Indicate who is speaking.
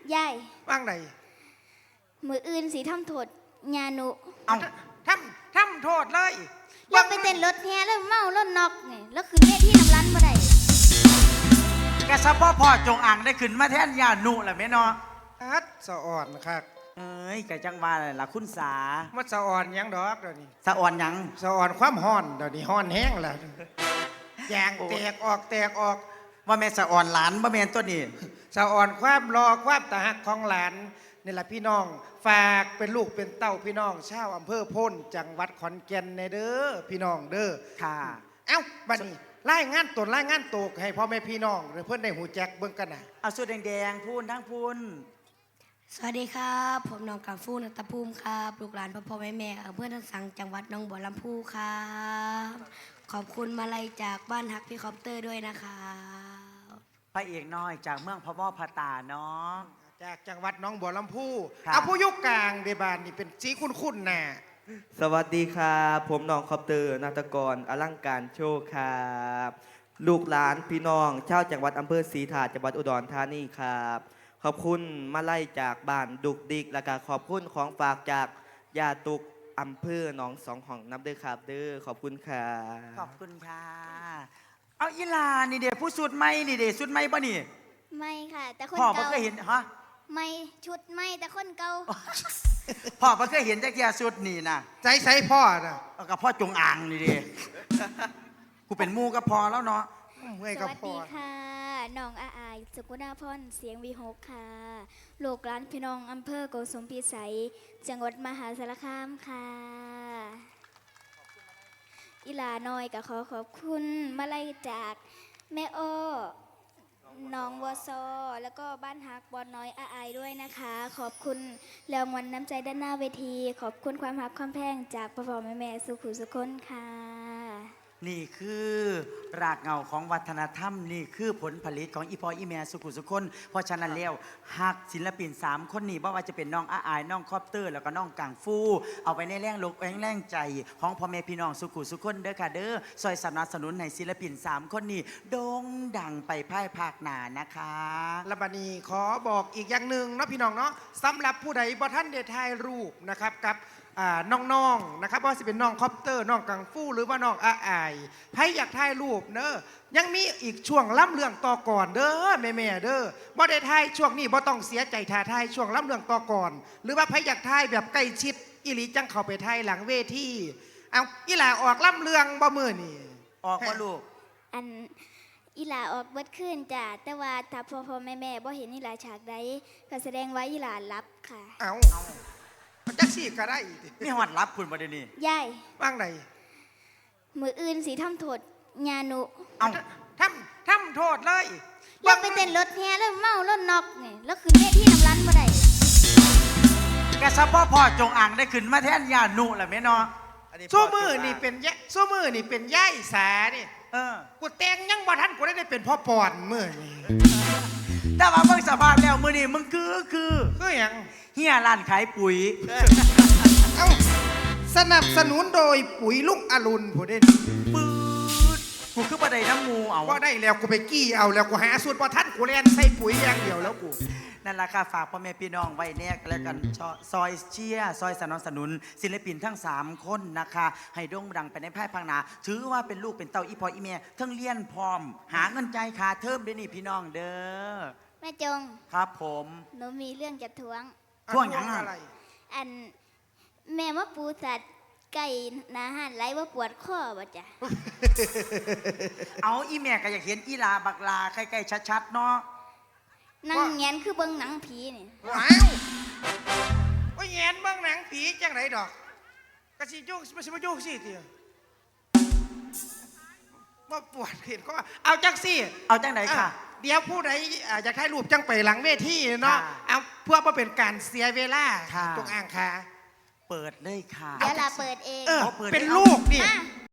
Speaker 1: ยาย
Speaker 2: ว่างไหน
Speaker 1: มืออื่นสีทำโทษญาหนุ
Speaker 2: เอาทำโทษเลย
Speaker 1: แล้วไปเต้นรถแห่แล้วเมารถนอกไงแล้วขึ้นเวทีน้ำร้านบ่ได้
Speaker 3: กระซับพ่อจงอ่างได้ขึ้นมาแทนยาหนุแหละแม่เนาะ
Speaker 2: อัดสะอ่อนครับ
Speaker 3: เอ้ยกะจังว่าอะไรล่ะคุณสา
Speaker 2: มันสะอ่อนยังดอกเดี๋ยวนี้
Speaker 3: สะอ่อนยัง
Speaker 2: สะอ่อนความฮ้อนเดี๋ยวนี้ฮ้อนแห้งแล้วยางแตกออก
Speaker 3: ว่าแม่สะอ่อนหลานว่าแม่ตัวนี้
Speaker 2: สะอ่อนความรอความตาหักของหลานนี่แหละพี่น้องฝากเป็นลูกเป็นเต้าพี่น้องชาวอำเภอพ้นจังหวัดขอนแก่นในเด้อพี่น้องเด้อ
Speaker 3: ค่ะ
Speaker 2: เอ้าบัดนี้รายงานตกให้พ่อแม่พี่น้องหรือเพื่อนได้หูแจกเบิ่งกันนะ
Speaker 3: เอาสุดแดงๆพูนทั้งพูน
Speaker 4: สวัสดีครับผมน้องกาฟูนัตภูมิครับลูกหลานพ่อแม่เพื่อนทั้งสังจังหวัดหนองบัวลำพูครับขอบคุณมาลัยจากบ้านฮักพี่คอปเตอร์ด้วยนะครับ
Speaker 3: พระเอกน้อยจากเมืองพะว่อพะตาเนาะ
Speaker 2: จากจังหวัดหนองบัวลำพูเอาผู้ยุคกลางเดบานนี่เป็นสีคุ้นๆน่ะ
Speaker 5: สวัสดีครับผมน้องคอปเตอร์นาฏกรอลังการโชว์ครับลูกหลานพี่น้องชาวจังหวัดอำเภอศรีถาดจังหวัดอุดรธานีครับขอบคุณมาไล่จากบ้านดุกดิกและก็ขอบคุณของฝากจากยาตุกอำเภอหนองสองห้องน้ำเด้อครับเด้อขอบคุณค่ะ
Speaker 3: ขอบคุณค่ะเอาอีลานี่เด็ผู้สุดไม่นี่เด็สุดไม่ป่ะนี่
Speaker 1: ไม่ค่ะแต่คน
Speaker 3: พ่อ
Speaker 1: เก่า
Speaker 3: เคยเห็นฮะ
Speaker 1: ไม่ชุดไม่แต่คนเก่า
Speaker 3: พ่อเคยเห็นจักรยานสุดนี่นะ
Speaker 2: ใจพ่อนะ
Speaker 3: กับพ่อจงอ่างนี่เด็กูเป็นมูก็พอแล้วเนาะ
Speaker 1: สวัสดีค่ะน้องอาอายสุกุณาพรเสียงวีหกค่ะลูกหลานพี่น้องอำเภอโกสุมพิสัยจังหวัดมหาสารคามค่ะอีหลาน้อยก็ขอบคุณมาไล่จากแม่อ้อน้องวอซอแล้วก็บ้านฮักบอลน้อยอาอายด้วยนะคะขอบคุณรางวัลน้ำใจด้านหน้าเวทีขอบคุณความฮักความแพงจากพ่อแม่สุขุสุคนค่ะ
Speaker 3: นี่คือรากเหง้าของวัฒนธรรมนี่คือผลผลิตของอีพออีแม่สุขุสุคนเพราะฉะนั้นแล้วหักศิลปิน3คนนี้ว่าจะเป็นน้องอาอายน้องคอปเตอร์แล้วก็น้องกังฟูเอาไปในแรงลกแรงใจของพ่อแม่พี่น้องสุขุสุคนเด้อค่ะเด้อซอยสนับสนุนให้ศิลปิน3คนนี้โด่งดังไปภายภาคหน้านะคะ
Speaker 2: และบัดนี้ขอบอกอีกอย่างหนึ่งนะพี่น้องเนาะสำหรับผู้ใดบ่ท่านได้ถ่ายรูปนะครับกับน้องๆนะครับว่าจะเป็นน้องคอปเตอร์น้องกังฟูหรือว่าน้องอาอายใครอยากถ่ายรูปเนอะยังมีอีกช่วงล่ำเรื่องต่อก่อนเด้อแม่เด้อบ่ได้ถ่ายช่วงนี้บ่ต้องเสียใจถ่ายช่วงล่ำเรื่องต่อก่อนหรือว่าใครอยากถ่ายแบบใกล้ชิดอีหลีจังเข้าไปถ่ายหลังเวทีเอาอีหล่าออกล่ำเรื่องบ่มื้อนี่
Speaker 3: ออกบ่ลูก
Speaker 1: อันอีหลาออกเบิดขึ้นจ้ะแต่ว่าถ้าพ่อแม่บ่เห็นอีหลาฉากใดก็แสดงว่าอีหลารับค่ะ
Speaker 2: เอาจักสี่ก็ได้
Speaker 3: มีหอดรับคุณประเด็นนี้
Speaker 1: ยาย
Speaker 2: ว่างไหน
Speaker 1: มืออื่นสีทำโทษญาหนุ
Speaker 2: เอาทำโทษเลย
Speaker 1: แล้วไปเต้นรถแห่แล้วเมารถนอกไงแล้วขึ้นเวทีน้ำร้านบ่ได้
Speaker 3: กระซับพ่อจงอ่างได้ขึ้นมาแทนยาหนุแหละแม่เนาะ
Speaker 2: สู้มือนี่เป็นย่ายสานี่กูแต่งยังบ่ทันกูได้เป็นพ่อปอนมือนี่
Speaker 3: แต่ว่าเบิ่งสภาพแล้วมือนี่มึงคือ
Speaker 2: หยัง
Speaker 3: เฮียร้านขายปุ๋ย
Speaker 2: เอ้าสนับสนุนโดยปุ๋ยลุงอรุณผู้เด่น
Speaker 3: ปืดกูคือบ่ได้น้ำมูเอา
Speaker 2: บ่ได้แล้วกูไปกี้เอาแล้วกูหาสูตรบ่ทันกูเล่นใส่ปุ๋ยอย่างเดียวแล้วกู
Speaker 3: นั่นล่ะค่ะฝากพ่อแม่พี่น้องไว้แน่แล้วกันซอยเชียร์ซอยสนับสนุนศิลปินทั้ง3คนนะคะให้โด่งดังไปในภายภาคหน้าถือว่าเป็นลูกเป็นเต้าอีพออีแม่ทั้งเรียนพร้อมหาเงินใจายค่าเทอมด้วยนี่พี่น้องเด้อ
Speaker 1: แม่จง
Speaker 3: ครับผม
Speaker 1: หนูมีเรื่องจะทวง
Speaker 3: ทวงอย่างไร
Speaker 1: อันแม่ว่าปูสัตว์ไก่นาหันไรว่าปวดข้อบ่จ้ะ
Speaker 3: เอาอีแม่ก็อยากเห็นอีลาบักลาใกล้ๆชัดๆเนาะ
Speaker 1: นั่งแงนคือเบิ้งหนังผีนี่
Speaker 2: ว้าวว่าแงนเบิ้งหนังผีจังไรดอกกระสีจุกไม่ใช่มาจุกสิเดียวว่าปวดเห็นก็เอาจังสิ
Speaker 3: เอาจังไหนค่ะ
Speaker 2: เดี๋ยวผู้ใดอยากถ่ายรูปจังไปหลังเวทีเนาะเอาเพื่อเป็นการเสียเวลาตรงอ่างค่ะ
Speaker 3: เปิดเลยค่ะ
Speaker 1: เดี๋ยวเราเปิดเอง
Speaker 2: เป็นลูกนี่